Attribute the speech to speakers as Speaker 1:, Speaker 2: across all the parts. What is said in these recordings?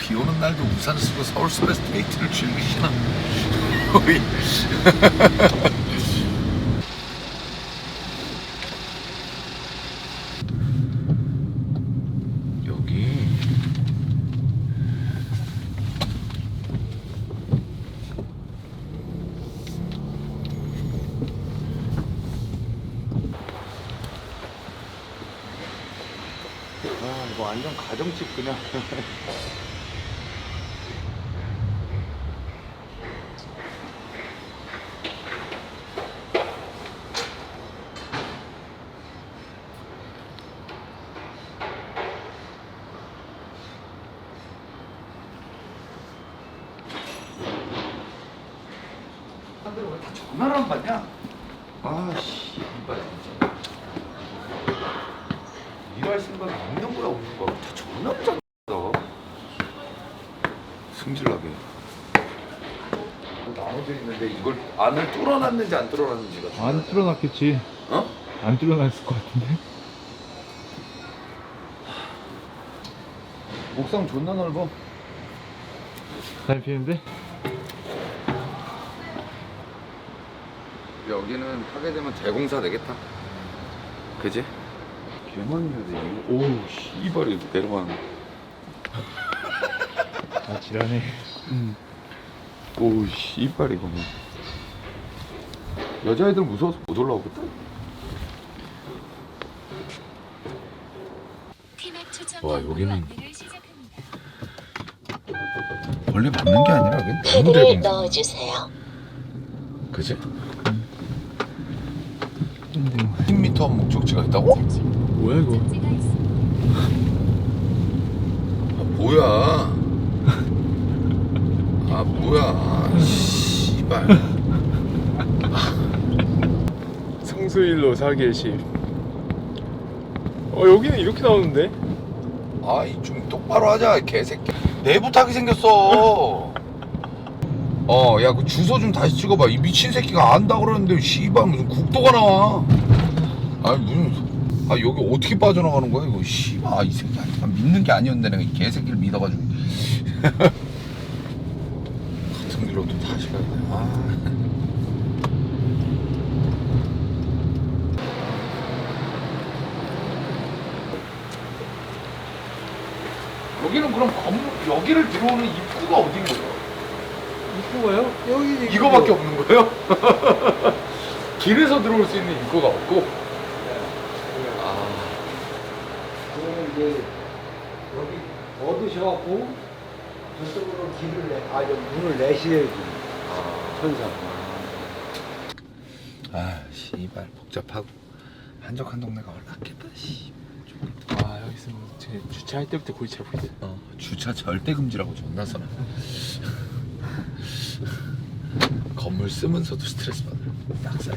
Speaker 1: 비 오는 날도 우산 쓰고 서울숲에서 데이트를 즐기시나? 우리 여기
Speaker 2: 이거 완전 가정집 그냥. 사람들 왜 다 전화를 안 받냐? 아씨, 이빨 진짜. 일할 생각이 없는 거야, 없는 거야. 다 전화를 잡어. 승질나게. 나눠져 있는데 이걸 안을 뚫어놨는지 안 뚫어놨는지가.
Speaker 3: 안 뚫어놨겠지.
Speaker 2: 어?
Speaker 3: 안 뚫어놨을 것 같은데.
Speaker 2: 옥상 존나 넓어.
Speaker 3: 잘 피는데?
Speaker 2: 여기는 하게 되면 대공사 되겠다. 그지? 개만이야 돼. 오우 씨발이 내려가는.
Speaker 3: 아 지랄해.
Speaker 2: 오우 씨발 이거. 여자애들 무서워서 못 올라오거든.
Speaker 1: 와, 여기는 원래 맞는 게 아니라 그냥 너무
Speaker 4: 패드를
Speaker 1: 대공사.
Speaker 4: 넣어주세요.
Speaker 1: 그지? 10m 목적지가 있다고?
Speaker 3: 뭐야 이거?
Speaker 1: 아 뭐야? 아 뭐야? 씨발.
Speaker 3: 성수일로 사계실. 여기는 이렇게 나오는데?
Speaker 1: 아이 좀 똑바로 하자 개새끼. 내부 타기 생겼어. 야 그 주소 좀 다시 찍어봐. 이 미친 새끼가 안다 그러는데 씨발 무슨 국도가 나와. 아니 무슨 여기 어떻게 빠져나가는 거야 이거. 씨발 이 새끼 믿는 게 아니었는데 내가 이 개새끼를 믿어가지고. 같은 길로 또 다시 가야 돼. 여기는 그럼 건물 여기를 들어오는 입구가 어딘 거예요?
Speaker 3: 입구가요? 여기
Speaker 1: 이거밖에 없는 거예요? 길에서 들어올 수 있는 입구가 없고.
Speaker 5: 그거는 이제 여기 얻으셔갖고 저쪽으로 문을 내셔야지. 천사.
Speaker 1: 씨발 복잡하고 한적한 동네가 얼마겠다. 씨.
Speaker 3: 여기 있으면 제 주차할 때부터 골치 아프거든.
Speaker 1: 주차 절대 금지라고 존나 써놔. 건물 쓰면서도 스트레스 받아. 낙살.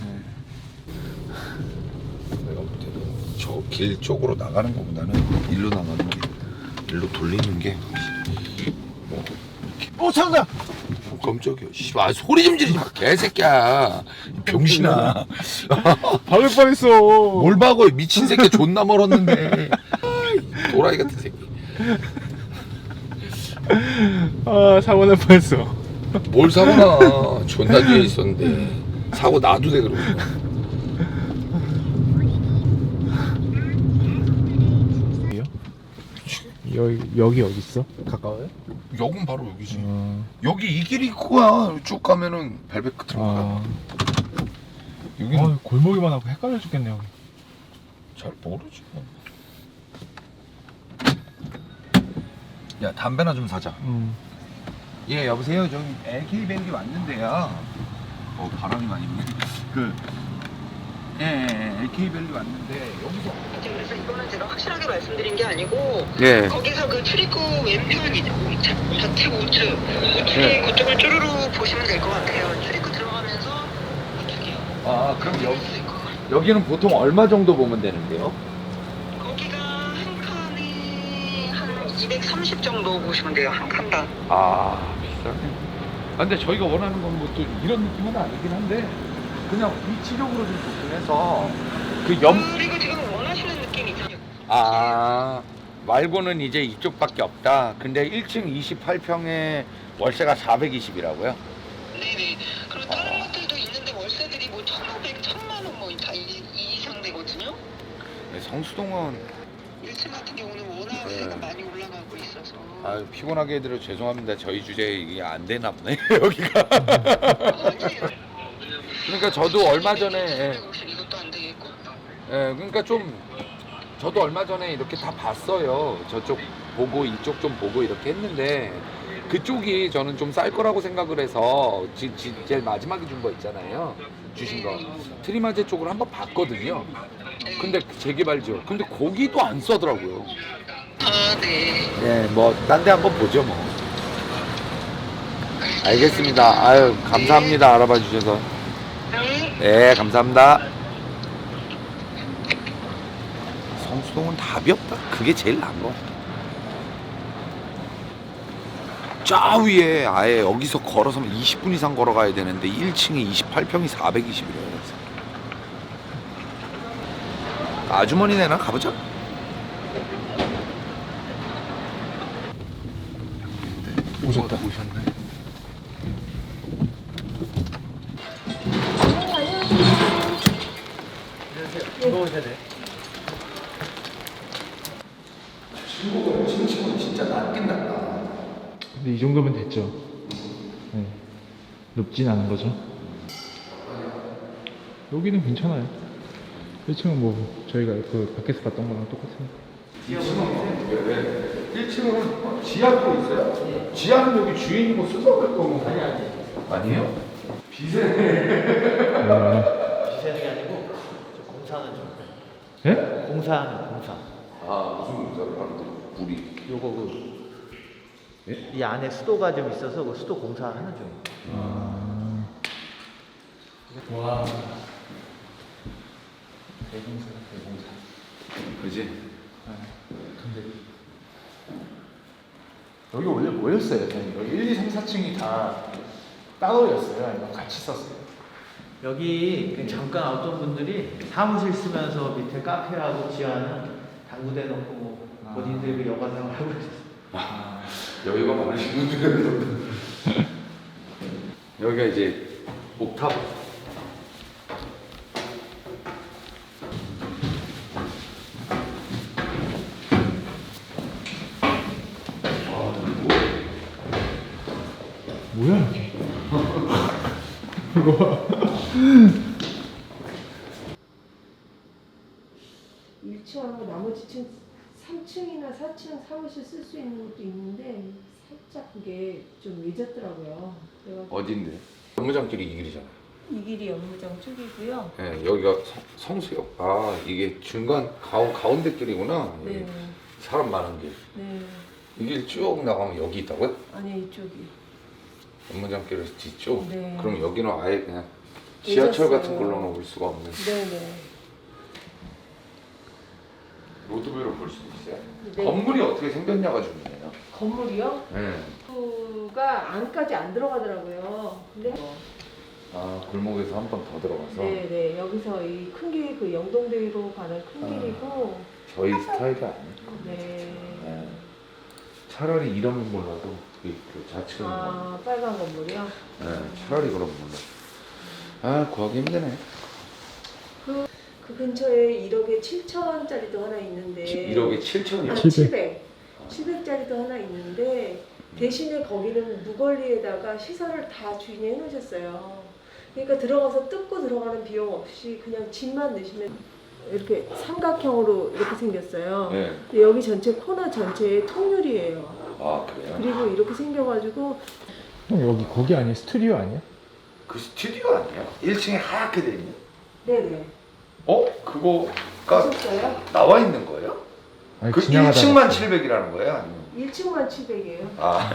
Speaker 1: 내가 볼 때는 저 길 쪽으로 나가는 것보다는 일로 나가는 게, 일로 돌리는 게 확실히 뭐 이렇게.
Speaker 5: 참다.
Speaker 1: 깜짝이야. 씨발 소리 좀 지르지 마 개새끼야. 이 병신아.
Speaker 3: 박을 뻔했어.
Speaker 1: 뭘 박어 미친 새끼. 존나 멀었는데. 도라이 같은 새끼.
Speaker 3: 사고 날 뻔했어.
Speaker 1: 뭘 사고 나. 존나 뒤에 있었는데 사고 나도 돼 그러고.
Speaker 3: 여기 어디 있어? 가까워요?
Speaker 1: 여긴 바로 여기지. 여기 이 길이 있고야. 쭉 가면은 벨벳 끝으로 가. 여기는
Speaker 3: 골목이만 하고 헷갈려 죽겠네 여기.
Speaker 1: 잘 모르지. 야 담배나 좀 사자. 예 여보세요. 저기 LK밸리 왔는데요. 바람이 많이 부네. LK밸리 왔는데 여기서.
Speaker 6: 그래서 이거는 제가 확실하게 말씀드린 게 아니고
Speaker 1: 예.
Speaker 6: 거기서 그 출입구 왼편이죠. 좌측 우측 우측에 그쪽을 쭈루루 보시면 될 것 같아요. 출입구 들어가면서 우측이요.
Speaker 1: 그럼 여기는 보통 얼마 정도 보면 되는데요?
Speaker 6: 거기가 한 칸에 한 230 정도 보시면 돼요. 한 칸당.
Speaker 1: 비싸네. 근데 저희가 원하는 건 뭐 또 이런 느낌은 아니긴 한데 그냥 위치적으로 좀 좋긴 해서
Speaker 6: 그리고 지금 원하시는 느낌이 있잖아요.
Speaker 2: 말고는 이제 이쪽밖에 없다. 근데 1층 28평에 월세가 420이라고요?
Speaker 6: 네네. 그리고 다른 것들도 있는데 월세들이 뭐 1,500, 1,000만 원 뭐 다 이상 되거든요.
Speaker 2: 성수동은
Speaker 6: 1층 같은 경우는 워낙
Speaker 2: 네.
Speaker 6: 세가 많이 올라가고 있어서.
Speaker 2: 아유 피곤하게 해드려 죄송합니다. 저희 주제에 이게 안 되나 보네 여기가.
Speaker 6: 아니에요.
Speaker 2: 그러니까 저도 얼마 전에
Speaker 6: 이것도 안 되겠고.
Speaker 2: 그러니까 좀 저도 얼마 전에 이렇게 다 봤어요. 저쪽 보고 이쪽 좀 보고 이렇게 했는데 그쪽이 저는 좀 쌀 거라고 생각을 해서 제일 마지막에 준 거 있잖아요. 주신 거 트리마제 쪽을 한번 봤거든요. 근데 재개발지요. 근데 거기도 안 싸더라고요.
Speaker 6: 아, 네.
Speaker 2: 네, 뭐 딴 데 한번 보죠 뭐. 알겠습니다. 아유 감사합니다. 알아봐 주셔서.
Speaker 6: 네.
Speaker 2: 네, 감사합니다. 성수동은 답이 없다. 그게 제일 나은 거. 저 위에 아예 여기서 걸어서면 20분 이상 걸어가야 되는데 1층에 28평이 420이래요. 아주머니네나 가보자.
Speaker 3: 오셨다.
Speaker 2: 오셨네. 친구가 친구는 진짜 낫긴 낫다.
Speaker 3: 근데 이 정도면 됐죠. 네. 높진 않은 거죠. 여기는 괜찮아요. 1층은 뭐 저희가 그 밖에서 봤던 거랑 똑같으니까.
Speaker 2: 1층은 지하도 있어요? 지하는 여기 주인이 뭐 쓰서 갈 거고. 아니에요? 비세.
Speaker 4: 비세는 게 아니고 저 공사하는 중.
Speaker 3: 예?
Speaker 4: 공사하는 공사.
Speaker 2: 아 무슨 공사를 하는데? 우리.
Speaker 4: 요거 그
Speaker 2: 예?
Speaker 4: 이 안에 수도가 좀 있어서 그 수도 공사하는 중이에요.
Speaker 3: 와.
Speaker 2: 그지?
Speaker 3: 근데 여기 원래 뭐였어요? 저희 여기 1, 2, 3, 4층이 다 따로였어요? 아니면 같이 썼어요?
Speaker 4: 여기 그 잠깐 어떤 분들이 사무실 쓰면서 밑에 카페하고 지하는 당구대 놓고 뭐 본인들 그 여가 생활하고 있어요.
Speaker 2: 여기가 많으신 분들은 여기가 이제 옥탑.
Speaker 3: 뭐야 이게? 이거
Speaker 7: 1층하고 나머지 층 3층이나 4층 사무실 쓸 수 있는 것도 있는데 살짝 그게 좀 늦었더라고요. 그래가지고
Speaker 2: 어딘데? 업무장길이 이 길이잖아.
Speaker 7: 이 길이 업무장 쪽이고요.
Speaker 2: 네, 여기가 성수역. 아 이게 중간 가운데 길이구나.
Speaker 7: 네,
Speaker 2: 이게 사람 많은 길.
Speaker 7: 네.
Speaker 2: 이 길 쭉 나가면 여기 있다고요?
Speaker 7: 아니 이쪽이.
Speaker 2: 업무장길에서 뒤쪽?
Speaker 7: 네.
Speaker 2: 그럼 여기는 아예 그냥 지하철 같은
Speaker 7: 늦었어요.
Speaker 2: 걸로는 올 수가 없는.
Speaker 7: 네네.
Speaker 2: 로드뷰로 볼 수도 있어요.
Speaker 7: 네.
Speaker 2: 건물이 어떻게 생겼냐가 중요해요.
Speaker 7: 건물이요?
Speaker 2: 네.
Speaker 7: 가 안까지 안 들어가더라고요. 근데
Speaker 2: 아 골목에서 한 번 더 들어가서
Speaker 7: 네네 여기서 이 큰 길이 그 영동대로 가는 큰 길이고
Speaker 2: 저희 스타일이 아니에요.
Speaker 7: 네.
Speaker 2: 네. 차라리 이러면 몰라도 그 좌측은
Speaker 7: 아 빨간 건물이요?
Speaker 2: 네, 차라리 그러면 몰라. 아 구하기 힘드네.
Speaker 7: 그 근처에 1억에 7천짜리도 하나 있는데
Speaker 2: 1억에 7천이요?
Speaker 7: 700짜리도 하나 있는데 대신에 거기는 무걸리에다가 시설을 다 주인이 해놓으셨어요. 그러니까 들어가서 뜯고 들어가는 비용 없이 그냥 집만 내시면 이렇게 삼각형으로 이렇게 생겼어요.
Speaker 2: 네.
Speaker 7: 근데 여기 전체 코너 전체에 통유리예요.
Speaker 2: 아 그래요?
Speaker 7: 그리고 이렇게 생겨가지고
Speaker 3: 형 여기 거기 아니야? 스튜디오 아니야?
Speaker 2: 그 스튜디오 아니야? 1층에 하얗게 돼 있는.
Speaker 7: 네네.
Speaker 2: 그거가
Speaker 7: 보셨어요?
Speaker 2: 나와 있는 거예요?
Speaker 3: 아니,
Speaker 2: 그
Speaker 3: 지나가다가
Speaker 2: 1층만 700이라는 거예요? 아니면?
Speaker 7: 1층만 700이에요.
Speaker 2: 아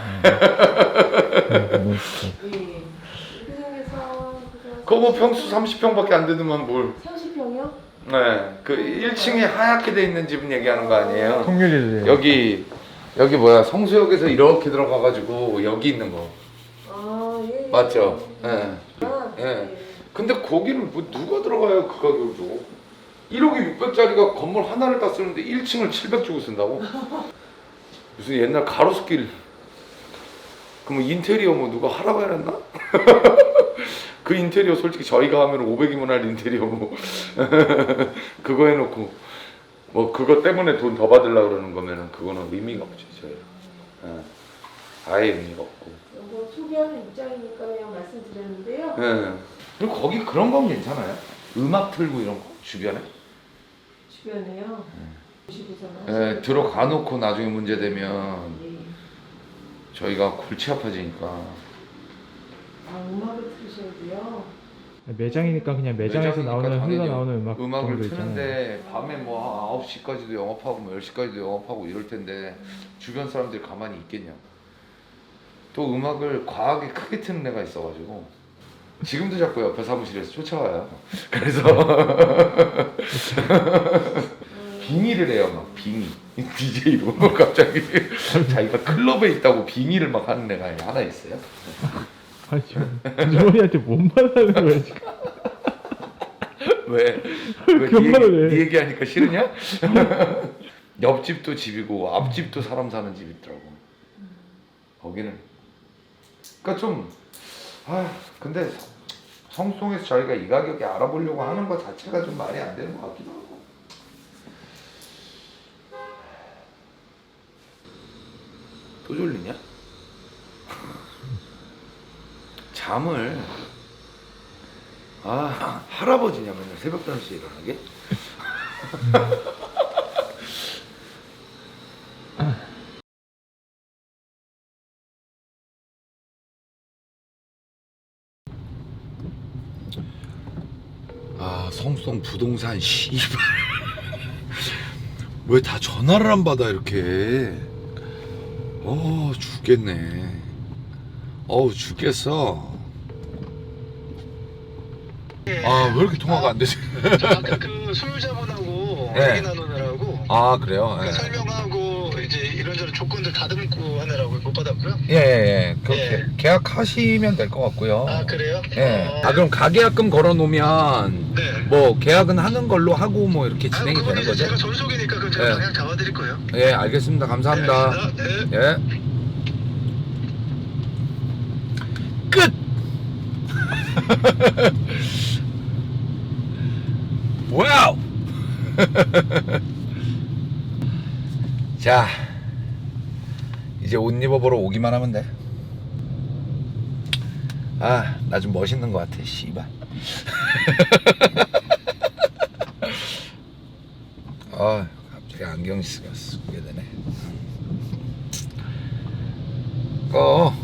Speaker 3: 너무
Speaker 7: 예. 이렇게 생겨서
Speaker 2: 그거 뭐 평수 30평밖에 안 되더만 뭘.
Speaker 7: 30평이요?
Speaker 2: 네. 그 1층에 하얗게 돼 있는 집은 얘기하는 거 아니에요?
Speaker 3: 통유리를
Speaker 2: 여기 뭐야 성수역에서 이렇게 들어가가지고 여기 있는 거
Speaker 7: 아 예.
Speaker 2: 맞죠? 예.
Speaker 7: 아,
Speaker 2: 예. 근데 거기는 뭐 누가 들어가요 그 가격을 주고? 1억에 600짜리가 건물 하나를 다 쓰는데 1층을 700 주고 쓴다고? 무슨 옛날 가로수길. 그럼 인테리어 뭐 누가 하라고 해놨나? 그 인테리어 솔직히 저희가 하면 500이면 할 인테리어 뭐 그거 해놓고 뭐 그거 때문에 돈 더 받으려고 그러는 거면은 그거는 의미가 없죠 저희. 아예 의미가 없고.
Speaker 7: 이거 소개하는 입장이니까 그냥 말씀드렸는데요.
Speaker 2: 예. 그리고 거기 그런 건 괜찮아요? 음악 틀고 이런 거 주변에?
Speaker 7: 주변에요. 보시고서는
Speaker 2: 예, 들어가 놓고 나중에 문제 되면
Speaker 7: 예.
Speaker 2: 저희가 골치 아파지니까.
Speaker 7: 아, 음악을 들으셔야고요.
Speaker 4: 매장이니까 그냥 매장에서
Speaker 2: 매장이니까
Speaker 4: 나오는
Speaker 2: 당연히
Speaker 4: 흘러나오는 음악
Speaker 2: 음악을
Speaker 4: 정도 있잖아요.
Speaker 2: 트는데 밤에 뭐 9시까지도 영업하고 뭐 10시까지도 영업하고 이럴 텐데 주변 사람들이 가만히 있겠냐. 또 음악을 과하게 크게 트는 애가 있어가지고 지금도 자꾸 옆에 사무실에서 쫓아와요. 그래서 빙의를 해요. 막 빙의 DJ로 갑자기 자기가 클럽에 있다고 빙의를 막 하는 애가 하나 있어요.
Speaker 4: 아니 지금 주머니한테 뭔 말하는 거야 지금?
Speaker 2: 왜?
Speaker 4: 그런 말을 해.
Speaker 2: 네 얘기하니까 싫으냐? 옆집도 집이고 앞집도 사람 사는 집이 있더라고. 거기는. 그러니까 좀 근데 성송에서 저희가 이 가격에 알아보려고 하는 것 자체가 좀 말이 안 되는 것 같기도 하고. 또 졸리냐? 잠을 할아버지냐 맨날 새벽 5시에 일어나게? 성송 부동산 씨발 왜 다 전화를 안 받아 이렇게. 죽겠네. 죽겠어. 왜 이렇게 통화가 안 되지?
Speaker 6: 저 아까 그 소유자분하고
Speaker 2: 네.
Speaker 6: 얘기 나누느라고
Speaker 2: 그래요?
Speaker 6: 그 설명하고 이제 이런저런 조건들 다듬고 하느라고 못 받았고요.
Speaker 2: 예.
Speaker 6: 예.
Speaker 2: 계약하시면 될 것 같고요.
Speaker 6: 그래요?
Speaker 2: 예. 그럼 가계약금 걸어 놓으면
Speaker 6: 네.
Speaker 2: 뭐 계약은 하는 걸로 하고 뭐 이렇게 진행이
Speaker 6: 그건
Speaker 2: 되는
Speaker 6: 이제
Speaker 2: 거죠?
Speaker 6: 제가 전속이니까 그 제가
Speaker 2: 예.
Speaker 6: 그냥 잡아드릴 거예요.
Speaker 2: 예, 알겠습니다. 감사합니다.
Speaker 6: 네.
Speaker 2: 예. 끝. 와우. 자, 이제 옷 입어보러 오기만 하면 돼. 나 좀 멋있는 것 같아, 씨발. 갑자기 안경 쓰게 되네. 꺼.